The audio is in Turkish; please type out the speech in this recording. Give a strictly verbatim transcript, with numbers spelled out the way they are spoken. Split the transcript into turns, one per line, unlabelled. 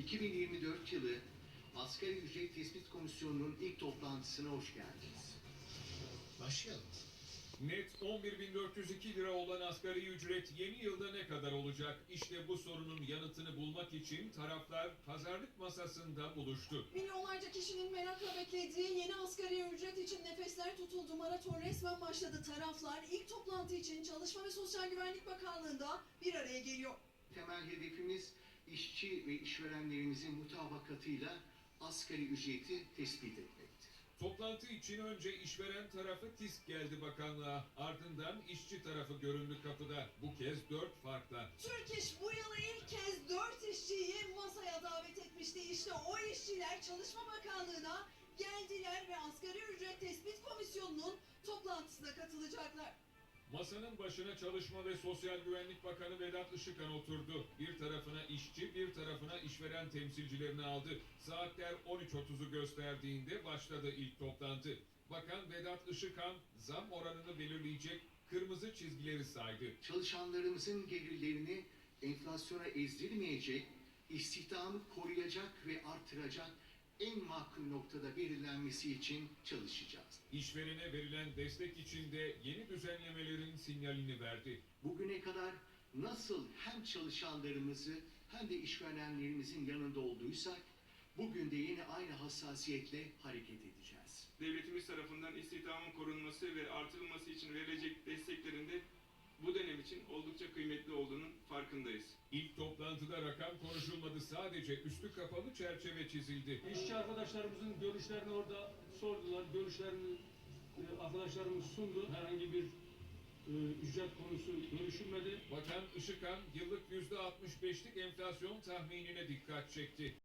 iki bin yirmi dört yılı Asgari Ücret Tespit Komisyonu'nun ilk toplantısına hoş geldiniz.
Başlayalım.
Net on bir bin dört yüz iki lira olan asgari ücret yeni yılda ne kadar olacak? İşte bu sorunun yanıtını bulmak için taraflar pazarlık masasında buluştu.
Milyonlarca kişinin merakla beklediği yeni asgari ücret için nefesler tutuldu. Maraton resmen başladı. Taraflar ilk toplantı için Çalışma ve Sosyal Güvenlik Bakanlığı'nda bir araya geliyor.
Temel hedefimiz işçi ve işverenlerimizin mutabakatıyla asgari ücreti tespit etmektir.
Toplantı için önce işveren tarafı TİSK geldi bakanlığa. Ardından işçi tarafı göründü kapıda. Bu kez dört farkla.
Türk İş bu yıl ilk kez dört işçiyi masaya davet etmişti. İşte o işçiler Çalışma Bakanlığı'na geldiler ve Asgari Ücret Tespit Komisyonu'nun toplantısına katılacaklar.
Masanın başına Çalışma ve Sosyal Güvenlik Bakanı Vedat Işıkhan oturdu. Bir tarafına işçi, bir tarafına işveren temsilcilerini aldı. Saatler on üç otuzu gösterdiğinde başladı ilk toplantı. Bakan Vedat Işıkhan zam oranını belirleyecek kırmızı çizgileri saydı.
Çalışanlarımızın gelirlerini enflasyona ezdirmeyecek, istihdamı koruyacak ve artıracak en makul noktada belirlenmesi için çalışacağız.
İşverene verilen destek için de yeni düzenlemelerin sinyalini verdi.
Bugüne kadar nasıl hem çalışanlarımızı hem de işverenlerimizin yanında olduysak, bugün de yine aynı hassasiyetle hareket edeceğiz.
Devletimiz tarafından istihdamın korunması ve artırılması için verilecek desteklerin de bu dönem için oldukça kıymetli olduğunun farkındayız.
İlk toplantıda rakam konuşulmadı, sadece üstü kapalı çerçeve çizildi.
İşçi arkadaşlarımızın görüşlerini orada sordular. Görüşlerini e, arkadaşlarımız sundu. Herhangi bir e, ücret konusu görüşülmedi.
Bakan Işıkhan yıllık yüzde altmış beşlik enflasyon tahminine dikkat çekti.